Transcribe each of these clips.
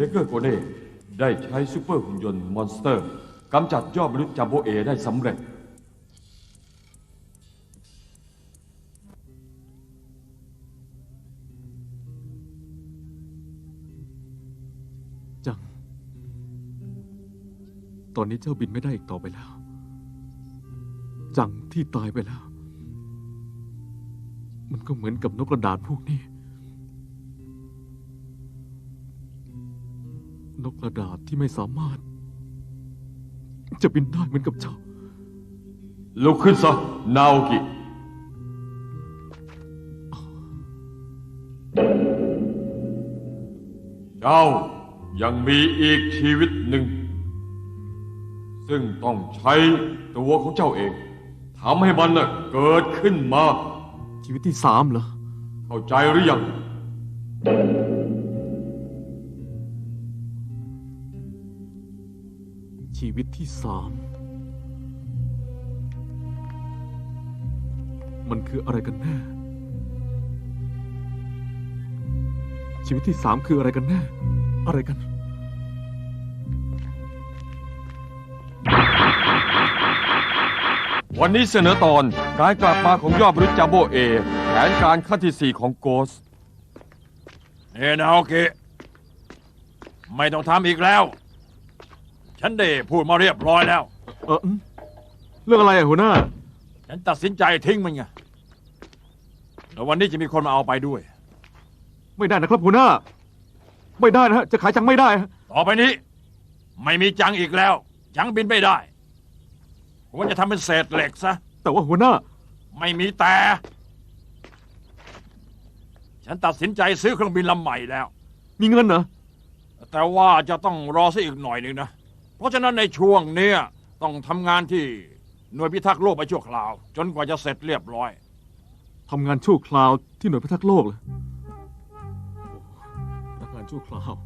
เกอร์โกเน่ได้ใช้ซูเปอร์หุ่นยนต์มอนสเตอร์กำจัดยอดมนุษย์จัมโบเอได้สำเร็จจังตอนนี้เจ้าบินไม่ได้อีกต่อไปแล้วจังที่ตายไปแล้วมันก็เหมือนกับนกกระดาษพวกนี้นกกระดาษที่ไม่สามารถจะบินได้เหมือนกับเจ้าลุกขึ้นซะนาโอกิเจ้ายังมีอีกชีวิตหนึ่งซึ่งต้องใช้ตัวของเจ้าเองทำให้มันเกิดขึ้นมาชีวิตที่3เหรอเข้าใจหรือยังชีวิตที่3มันคืออะไรกันแน่ชีวิตที่3คืออะไรกันแน่อะไรกันวันนี้เสนอตอนการกลับมาของยอดมนุษย์จัมโบเอแผนการขั้นที่4ของโกสนาโอเคไม่ต้องทำอีกแล้วฉันได้พูดมาเรียบร้อยแล้วเรื่องอะไรหัวหน้าฉันตัดสินใจทิ้งมันไงแล้ววันนี้จะมีคนมาเอาไปด้วยไม่ได้นะครับหัวหน้าไม่ได้นะจะขายจังไม่ได้ต่อไปนี้ไม่มีจังอีกแล้วจังบินไม่ได้ผมจะทำเป็นเศษเหล็กซะแต่ว่าหัวหน้าไม่มีแต่ฉันตัดสินใจซื้อเครื่องบินลำใหม่แล้วมีเงินเหรอแต่ว่าจะต้องรอสักอีกหน่อยหนึ่งนะเพราะฉะนั้นในช่วงนี้ต้องทำงานที่หน่วยพิทักษ์โลกไปชั่วคราวจนกว่าจะเสร็จเรียบร้อยทำงานชั่วคราวที่หน่วยพิทักษ์โลกเลยทำงานชั่วคราว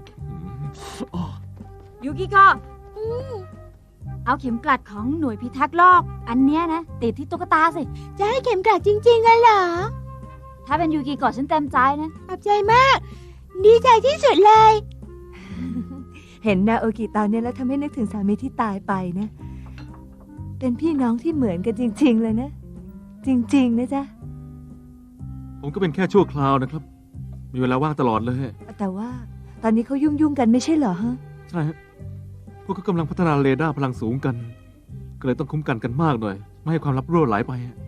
ยูกิโกะเอาเข็มกลัดของหน่วยพิทักษ์โลกอันเนี้ยนะติดที่ตุ๊กตาสิจะให้เข็มกลัดจริงๆเหรอถ้าเป็นยูกิโกะฉันเต็มใจนะขอบใจมากดีใจที่สุดเลยเห็นนาโอกิตอนนี้แล้วทำให้นึกถึงสามีที่ตายไปนะเป็นพี่น้องที่เหมือนกันจริงๆเลยนะจริงๆนะจ๊ะผมก็เป็นแค่ชั่วคราวนะครับมีเวลาว่างตลอดเลยแต่ว่าตอนนี้เขายุ่งกันไม่ใช่เหรอฮะใช่ฮะพวกเขากำลังพัฒนาเรดาร์พลังสูงกันก็เลยต้องคุ้มกันกันมากหน่อยไม่ให้ความลับรั่วไหลไป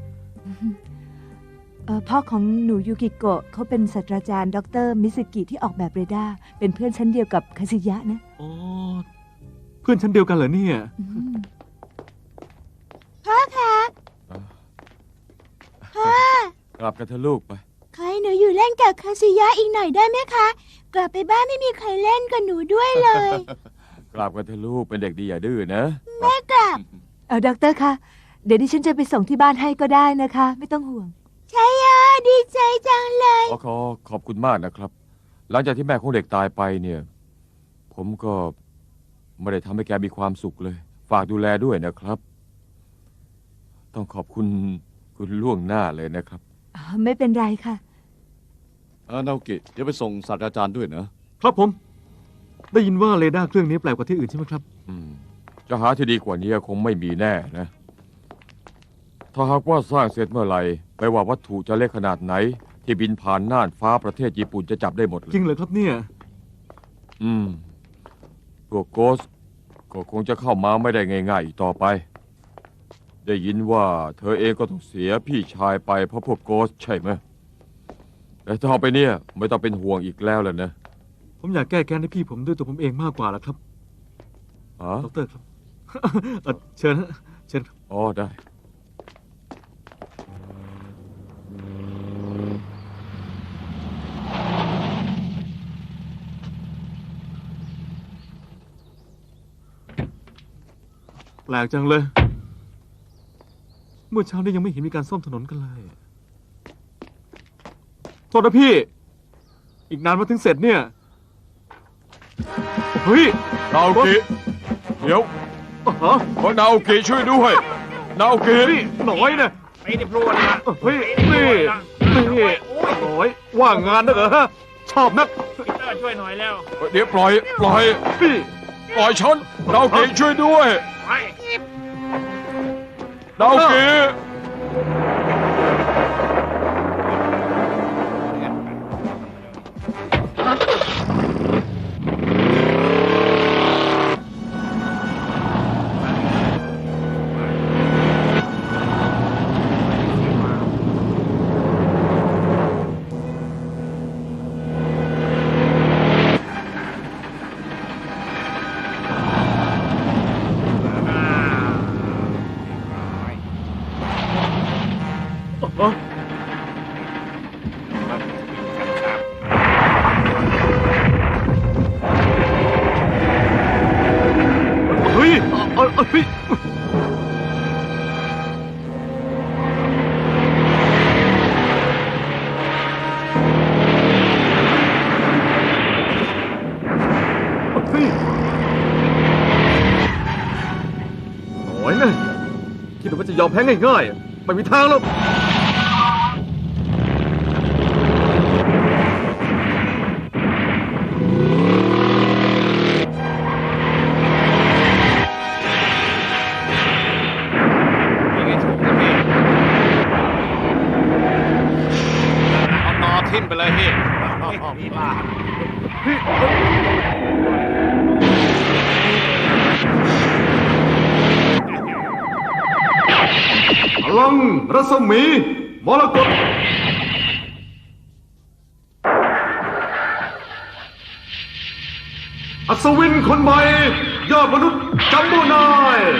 พ่อของหนูยูกิโกะเขาเป็นศาสตราจารย์ดร.มิสกิที่ออกแบบเรดาร์เป็นเพื่อนชั้นเดียวกับคาซิยะนะอ๋อเพื่อนชั้นเดียวกันเหรอเนี่ยพ่อคะพ่อกลับกันเถอะลูกไปขอให้หนูอยู่เล่นกับคาซิยะอีกหน่อยได้ไหมคะกลับไปบ้านไม่มีใครเล่นกับหนูด้วยเลยกลับกันเถอะลูกเป็นเด็กดีอย่าดื้อนะแม่กลับด็อกเตอร์คะเดี๋ยวดิฉันจะไปส่งที่บ้านให้ก็ได้นะคะไม่ต้องห่วงใช่ดีใจจังเลยขอบคุณมากนะครับหลังจากที่แม่ของเด็กตายไปเนี่ยผมก็ไม่ได้ทำให้แกมีความสุขเลยฝากดูแลด้วยนะครับต้องขอบคุณล่วงหน้าเลยนะครับไม่เป็นไรค่ะนาโอกิเดี๋ยวไปส่งศาสตราจารย์ด้วยนะครับผมได้ยินว่าเรดาร์เครื่องนี้แปลกกว่าที่อื่นใช่ไหมครับจะหาที่ดีกว่านี้คงไม่มีแน่นะถ้าหากว่าสร้างเสร็จเมื่อไหร่ไม่ว่าวัตถุจะเล็กขนาดไหนที่บินผ่านน่านฟ้าประเทศญี่ปุ่นจะจับได้หมดเลยจริงเหรอครับเนี่ยพวกโกสก็คงจะเข้ามาไม่ได้ง่ายๆอีกต่อไปได้ยินว่าเธอเองก็ต้องเสียพี่ชายไปเพราะพวกโกสใช่ไหมแต่ต่อไปเนี่ยไม่ต้องเป็นห่วงอีกแล้วนะผมอยากแก้แค้นให้พี่ผมด้วยตัวผมเองมากกว่าล่ะครับดร.ครับเชิญครับอ๋อได้แปลกจังเลยเมื่อเช้านี้ยังไม่เห็นมีการซ่อมถนนกันเลยโทษนะพี่อีกนานมาถึงเสร็จเนี่ยเฮ้ยนาโอกิเดี๋ยวขอนาโอกิช่วยด้วยนาโอกิหน่อยนะไม่ได้พูดนะเฮ้ยนี่โอ้ยว่างงานนะเหรอชอบนักช่วยหน่อยแล้วเดี๋ยวปล่อยนี่ปล่อยฉันนาโอกิช่วยด้วยไปนาโอกิเฮ้ยเฮ้ยเฮ้ยโอ้ยนะคิดว่าจะยอมแพ้ง่ายๆไม่มีทางหรอกเอานอทิ่มไปเลยพี่บ้าพลังรัศมีมรกตอัศวินคนใหม่ยอดมนุษย์จัมโบ้นาย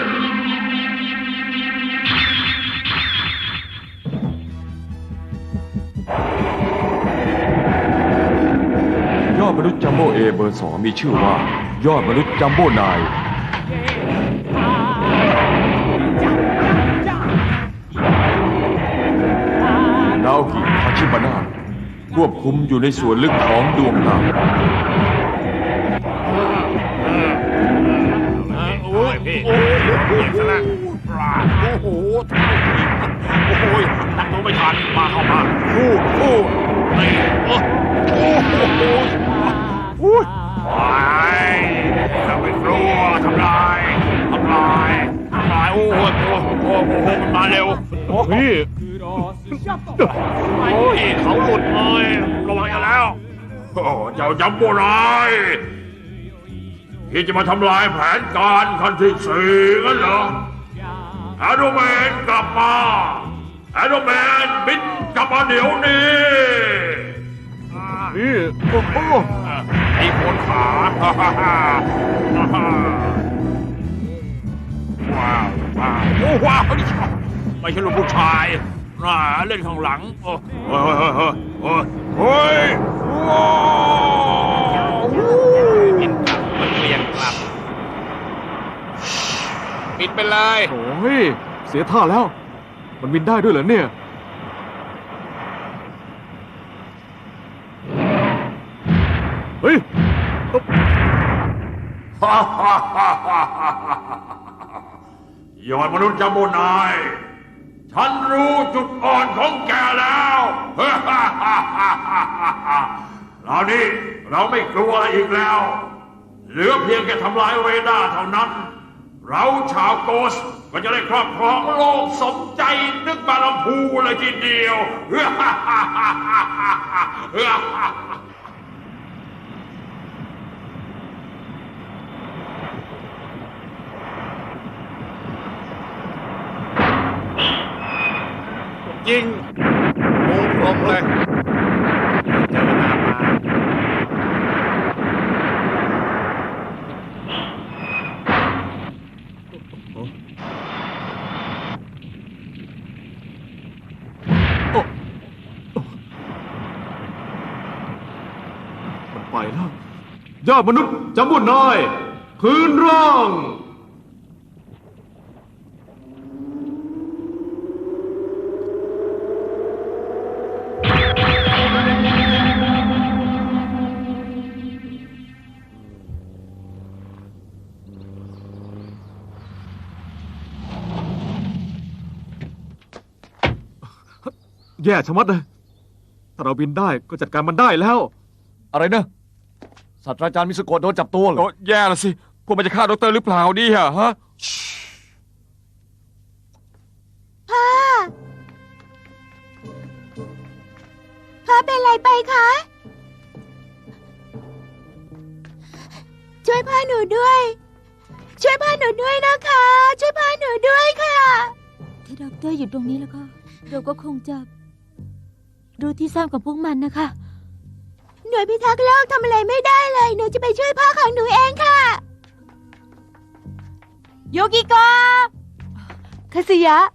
ยอดมนุษย์จัมโบ้เอเบอร์ 2มีชื่อว่า ยอดมนุษย์จัมโบ้นายนาโอกิทาชิบานะควบคุมอยู่ในส่วนลึกของดวงดาวโอ้ยพี่โอ้โหโอ้ยตั้งตัวไม่ทันมาเข้ามาคู่นี่โอ้โหเราไปกลัวทำลายโอ้โหมันมาเร็วพี่โอ้ยเขาหลุดเลยระวังอย่าแล้วโอ้เจ้าจัมโบ้ร้ายที่จะมาทำลายแผนการขั้นที่4งั้นเหรอแอโดแมนกลับมาแอโดแมนบินกลับมาเดี๋ยวนี้นี่โอ้โหไอ้คนขาว้าวโอ้ว้าวนี่ไม่ใช่ลูกผู้ชายเล่นข้างหลังโอ้เฮ้ยว้าวบินกลับมันเปลี่ยนกลับปิดไปเลยโอ้ยเสียท่าแล้ว มันบินได้ด้วยเหรอเนี่ย เฮ้ยยอดมนุษย์จัมโบ้นายฉันรู้จุดอ่อนของแกแล้วเรานี่เราไม่กลัวอะไรอีกแล้ว เหลือเพียงแค่ทำลายเรดาร์เท่านั้น เราชาวโกสก็จะได้ครอบครองโลกสมใจนึกบาลำพูเลยทีเดียว ยิงปูพรมเลยเจอหน้ามามันไปแล้วยอดมนุษย์จัมโบ้นายคืนร่าง แย่ชะมัดเลย ถ้าเราบินได้ก็จัดการมันได้แล้วอะไรนะศาสตราจารย์มิสโกะโดนจับตัวเหรโอ้อแย่ละสิพวกมันจะฆ่าดอกเตอร์หรือเปล่าเนี่ยฮะพ่อ พ่อเป็นอะไรไปคะ ช่วยพ่อหนูด้วย ช่วยพ่อหนูด้วยนะคะ ช่วยพ่อหนูด้วยค่ะถ้าด็อกเตอร์อยู่ตรงนี้แล้วก็ เราก็คงจะรู้ที่ซ่อนของพวกมันนะคะหน่วยพิทักษ์โลกทำอะไรไม่ได้เลย หนูจะไปช่วยพ่อของหนูเองค่ะโยกิโกะคาสิยะ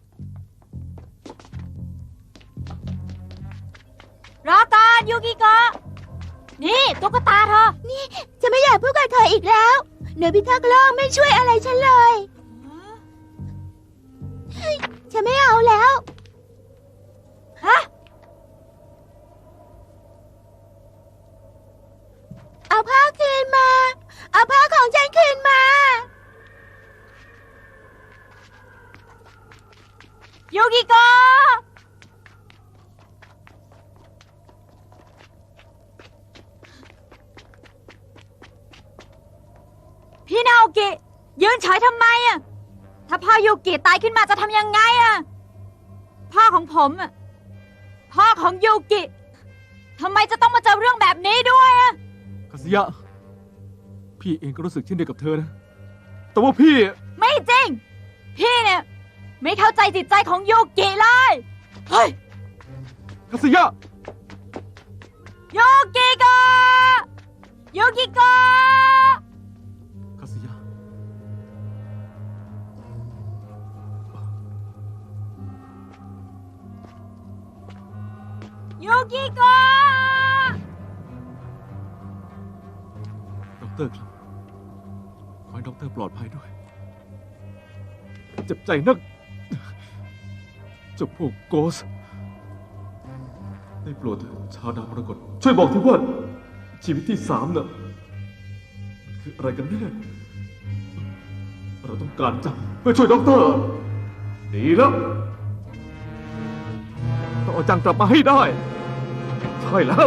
รอก่อนโยกิโกะนี่ตุ๊กตาเธอนี่จะไม่อยากพูดกับเธออีกแล้ว หน่วยพิทักษ์โลกไม่ช่วยอะไรฉันเลยเฮ้ยฉันไม่เอาแล้วฮะเอาผ้าคืนมา เอาผ้าของฉันคืนมาโยกิโกะพี่นาโอกิยืนเฉยทำไมอะถ้าพ่อโยกิตายขึ้นมาจะทำยังไงอะพ่อของผมอะพ่อของโยกิทำไมจะต้องมาเจอเรื่องแบบนี้ด้วยอะคาสิยะ พี่เองก็รู้สึกเช่นเดียวกับเธอนะ แต่ว่าพี่ไม่จริง พี่เนี่ยไม่เข้าใจจิตใจของโยกิเลยเฮ้ยคาสิยะโยกิโกะโยกิโกะคาสิยะโยกิโกะด็อกเตอร์ครับ ขอให้ด็อกเตอร์ปลอดภัยด้วย เจ็บใจนักเจ้าพวกโกส ได้โปรดเถิดชาวดาวมรกตช่วยบอกทีว่าชีวิตที่สามน่ะมันคืออะไรกันแน่ เราต้องการจับเพื่อช่วยด็อกเตอร์ ดีแล้วต้องเอาจังกลับมาให้ได้ ใช่แล้ว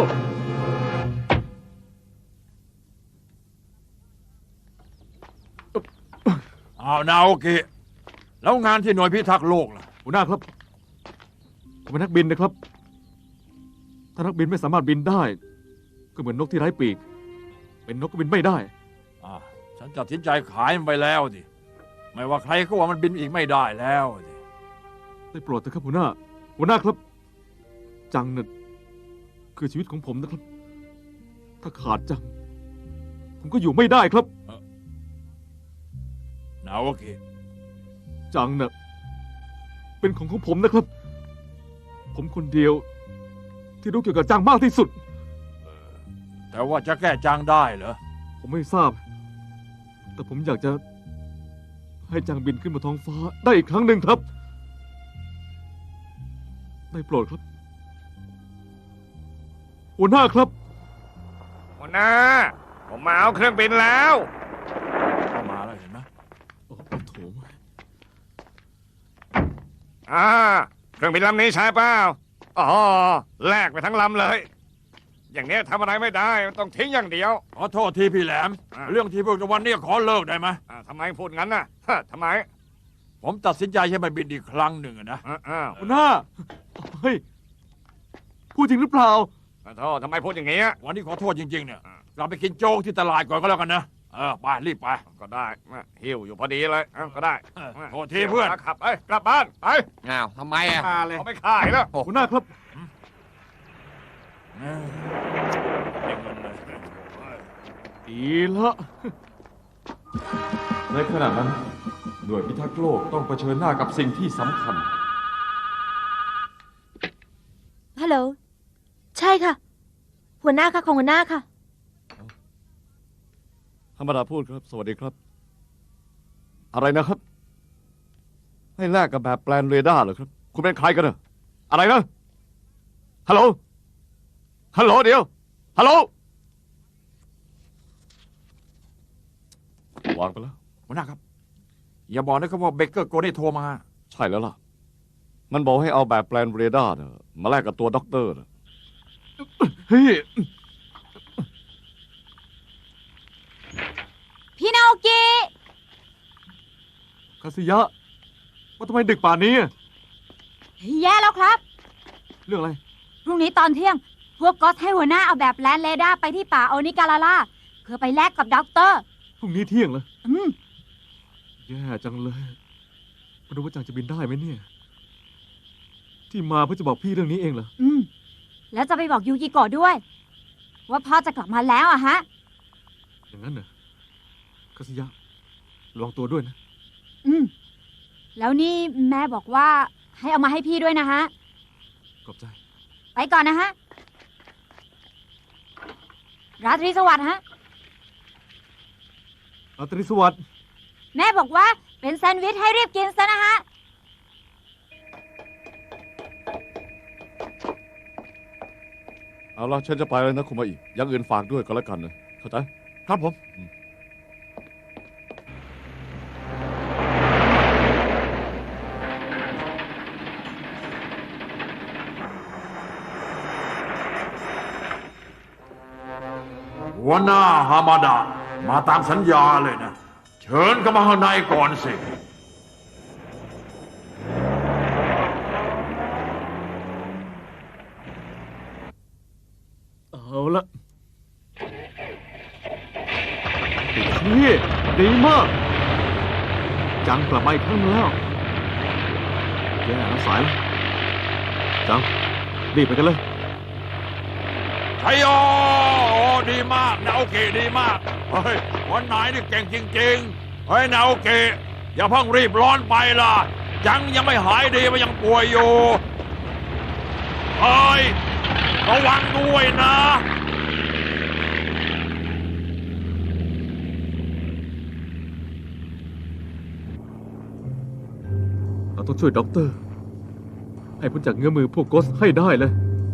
อ้าวนาโอกิแล้วงานที่หน่วยพิทักษ์โลกล่ะหัวหน้าครับผมเป็นนักบินนะครับ ถ้านักบินไม่สามารถบินได้ ก็เหมือนนกที่ไร้ปีก เป็นนกก็บินไม่ได้ฉันตัดสินใจขายมันไปแล้วดิไม่ว่าใครก็ว่ามันบินอีกไม่ได้แล้วดิได้โปรดเถอะครับหัวหน้า หัวหน้าครับ จังน่ะคือชีวิตของผมนะครับ ถ้าขาดจัง ผมก็อยู่ไม่ได้ครับนาโอกิจังน่ะเป็นของผมนะครับ ผมคนเดียว ที่รู้เกี่ยวกับจังมากที่สุดแต่ว่าจะแก้จางได้เหรอผมไม่ทราบ แต่ผมอยากจะ ให้จังบินขึ้นมาท้องฟ้าได้อีกครั้งหนึ่งครับ ได้โปรดครับ หัวหน้าครับหัวหน้า ผมมาเอาเครื่องบินแล้วเข้ามาแล้วเห็นไหมโอ้โถเครื่องบินลำนี้ใช่เปล่าอ๋อแลกไปทั้งลำเลย อย่างเนี้ยทำอะไรไม่ได้ต้องทิ้งอย่างเดียวขอโทษทีพี่แหลม เรื่องที่พูดกันวันนี้ขอเลิกได้ไหมทำไมพูดงั้นน่ะฮะทำไมผมตัดสินใจให้มันบินอีกครั้งหนึ่งอะนะอ้าวหัวหน้า เฮ้ย พูดจริงหรือเปล่าขอโทษทำไมพูดอย่างนี้วันนี้ขอโทษจริงๆเนี่ยเราไปกินโจ๊กที่ตลาดก่อนก็แล้วกันนะไปรีบไปก็ได้หิวอยู่พอดีเลยก็ได้โทษทีเพื่อนขับไปกลับบ้านไปอ้าวทำไมอ่ะเขาไม่ขายแล้วหัวหน้าครับ ดีละในขณะนั้น หน่วยพิทักษ์โลกต้องเผชิญหน้ากับสิ่งที่สำคัญฮัลโหล ใช่ค่ะ หัวหน้าค่ะของหัวหน้าค่ะธรรมดาพูดครับ สวัสดีครับ อะไรนะครับ ให้แลกกับแบบแปลนเรดาร์เหรอครับ คุณเป็นใครกันอะอะไรนะ ฮัลโหล ฮัลโหลเดี๋ยว ฮัลโหล วางไปแล้วหัวหน้าครับ อย่าบอกนะครับว่าเบเกอร์โกได้โทรมาใช่แล้วล่ะ มันบอกให้เอาแบบแปลนเรดาร์น่ะมาแลกกับตัวด็อกเตอร์น่ะเฮ้ยกิคาสิยะว่าทำไมดึกป่านนี้อะแย่แล้วครับเรื่องอะไรพรุ่งนี้ตอนเที่ยง พวกก็อตให้หัวหน้าเอาแบบแลนเรดาร์ไปที่ป่าโอนิการาล่าเพื่อไปแลกกับด็อกเตอร์พรุ่งนี้เที่ยงเหรออืมแย่จังเลยไม่รู้ว่าจังจะบินได้ไหมเนี่ย ที่มาเพื่อจะบอกพี่เรื่องนี้เองเหรออืม แล้วจะไปบอกยูกิโกะด้วย ว่าพ่อจะกลับมาแล้วอะฮะอย่างนั้นเหรอคาสิยะระวังตัวด้วยนะอืม แล้วนี่แม่บอกว่าให้เอามาให้พี่ด้วยนะฮะขอบใจไปก่อนนะฮะ ราตรีสวัสดิ์ฮะราตรีสวัสดิ์แม่บอกว่าเป็นแซนด์วิชให้รีบกินซะนะฮะเอาละฉันจะไปแล้วนะคุณมาอีกอย่างอื่นฝากด้วยก็แล้วกันนะเข้าใจครับผมหัวหน้าฮามาดะมาตามสัญญาเลยนะ เชิญเข้ามาข้างในก่อนสิเอาละพี่ดีมาก จังกลับมาอีกครั้งแล้วแย่นะสายแล้วจังรีบไปกันเลยชัยโยโอ้ดีมากนาโอเกะดีมาก เฮ้ยวันไหนนี่เก่งจริงๆ เฮ้ยนาโอเกะอย่าเพิ่งรีบร้อนไปล่ะ ยังไม่หายดีมันยังป่วยอยู่ เฮ้ย ระวังด้วยนะเราต้องช่วยด็อกเตอร์ ให้พ้นจากเงื้อมือพวกโกสให้ได้เลย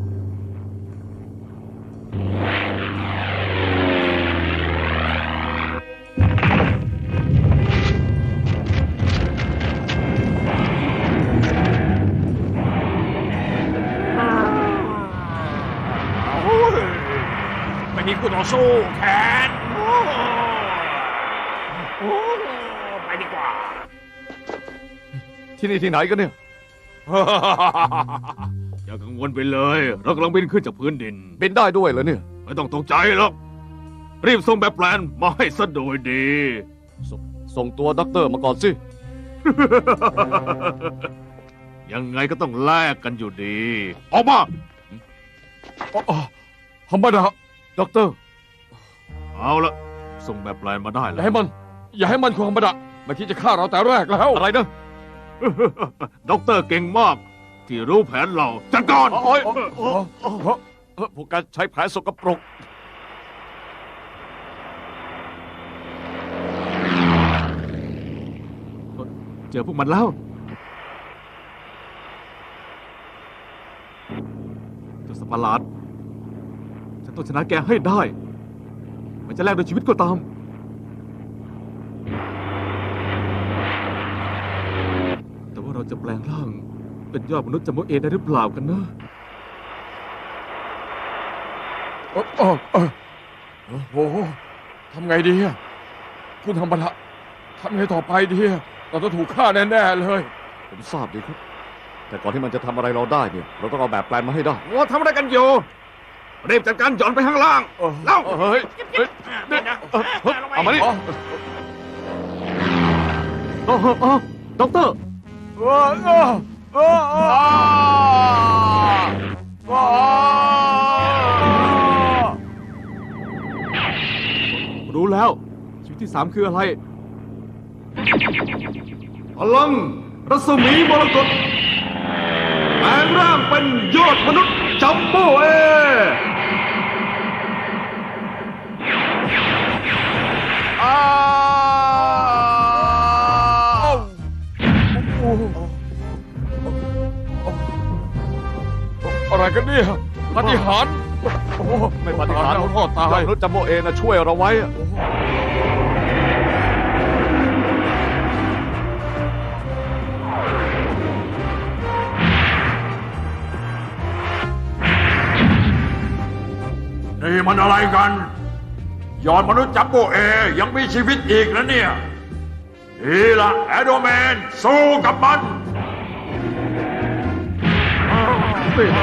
ไม่มีคู่ต่อสู้แขนโอ้ไปดีกว่าที่นี่ที่ไหนกันเนี่ยอย่ากังวลไปเลย เรากำลังบินขึ้นจากพื้นดินบินได้ด้วยเหรอเนี่ยไม่ต้องตกใจหรอก รีบส่งแบบแปลนมาให้ซะโดยดีส่งตัวด็อกเตอร์มาก่อนสิยังไงก็ต้องแลกกันอยู่ดี ออกมาธรรมดาด็อกเตอร์เอาละส่งแบบแปลนมาได้อแล้ย่าว ให้มัน อย่าให้มันธรรมดาไม่คิดจะฆ่าเราแต่แรกแล้วอะไรนะด็อกเตอร์เก่งมาก ที่รู้แผนเราจัดการโอ้ยพวกการใช้แผนสกปรกเจอพวกมันแล้วเจ้าสัตว์ประหลาด ฉันต้องชนะแกให้ได้ มันจะแลกด้วยชีวิตก็ตาม แต่ว่าเราจะแปลงร่าง เป็นยอดมนุษย์จำโมเอได้หรือเปล่ากันนะโอ้โหทำไงดีอะคุณธรรมดาทำไงต่อไปดีอะเราต้องถูกฆ่าแน่ๆเลยผมทราบดีครับ แต่ก่อนที่มันจะทำอะไรเราได้เนี่ย เราต้องเอาแบบแปลนมาให้ได้ว่าทำอะไรกันอยู่รีบจัดการหย่อนไปข้างล่างเล่าเฮ้ย เอามานี่ด็อกเตอร์ รู้แล้ว ชีวิตที่ 3 คืออะไร พลังรัศมีมรกตแปลงร่างเป็นยอดมนุษย์จัมโบ้เออะไรกันเนี่ยปาฏิหาริย์โอ้โหไม่ปฏิหารย์แล้วพ่อตายมนุษย์จัมโบเอนะช่วยเราไว้อะนี่มันอะไรกันยอดมนุษย์จัมโบ้เอยังมีชีวิตอีกนะเนี่ยดีละแอดโดแมนสู้กับมันนี่นะ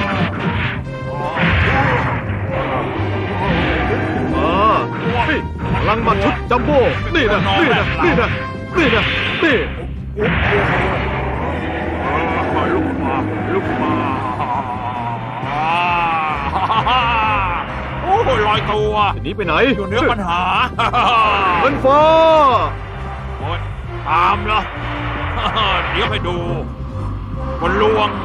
นี่พลังมาชุดจัมโบ้นี่นะนี่นะนี่นะนี่นะนี่ลุกมาลุกมาโอ้ยลอยตัวหนีไปไหนอยู่เหนือปัญหามันฟ้าโอ้ยตามเหรอ เดี๋ยวให้ดูบนลวง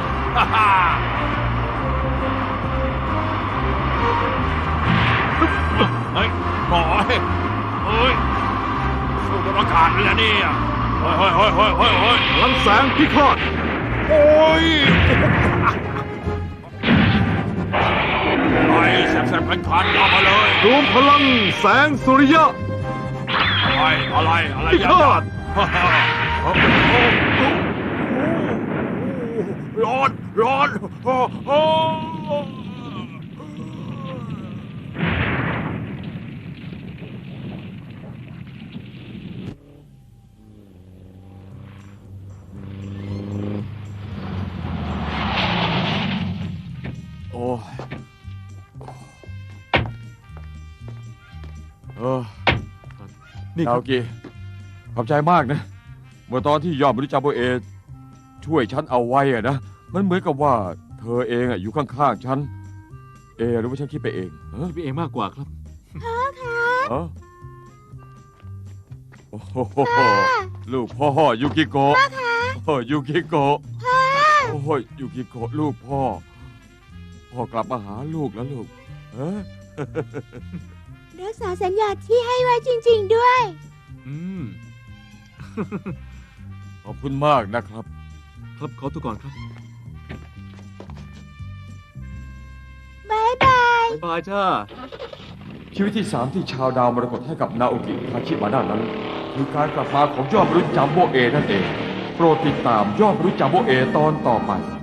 เฮ้ยหมอยเฮ้ยสู้บนอากาศเลยนะเนี่ยเฮ้ยเฮ้ยเฮ้ยเฮ้ยเฮ้ยเฮ้ยพลังแสงพิฆาตโอ้ยไอ้แสบๆคันๆเอามาเลยรวมพลังแสงสุริยะอะไรพิฆาตร้อนโอ้โหโอ้ยนี่นี่นาโอกิขอบใจมากนะ เมื่อตอนที่ยอดมนุษย์จัมโบ้เอช่วยฉันเอาไว้อะนะ มันเหมือนกับว่าเธอเองอะอยู่ข้างๆฉัน หรือว่าฉันคิดไปเองเออคิดไปเองมากกว่าครับเออโอ้โหลูกพ่อยูกิโกะโอ้ยูกิโกะโอ้ยยูกิโกะลูกพ่อ พ่อกลับมาหาลูกแล้วลูกเออรักษาสัญญาที่ให้ไว้จริง ๆ ด้วยอืมขอบคุณมากนะครับครับขอตัวก่อนครับบายบายบ๊ายบายจ้าชีวิตที่ 3 ที่ชาวดาวมรกตให้กับนาโอกิทาชิมาด้านนั้น คือการกลับมาของยอดมนุษย์จัมโบ้เอนั่นเอง โปรดติดตามยอดมนุษย์จัมโบ้เอตอนต่อไป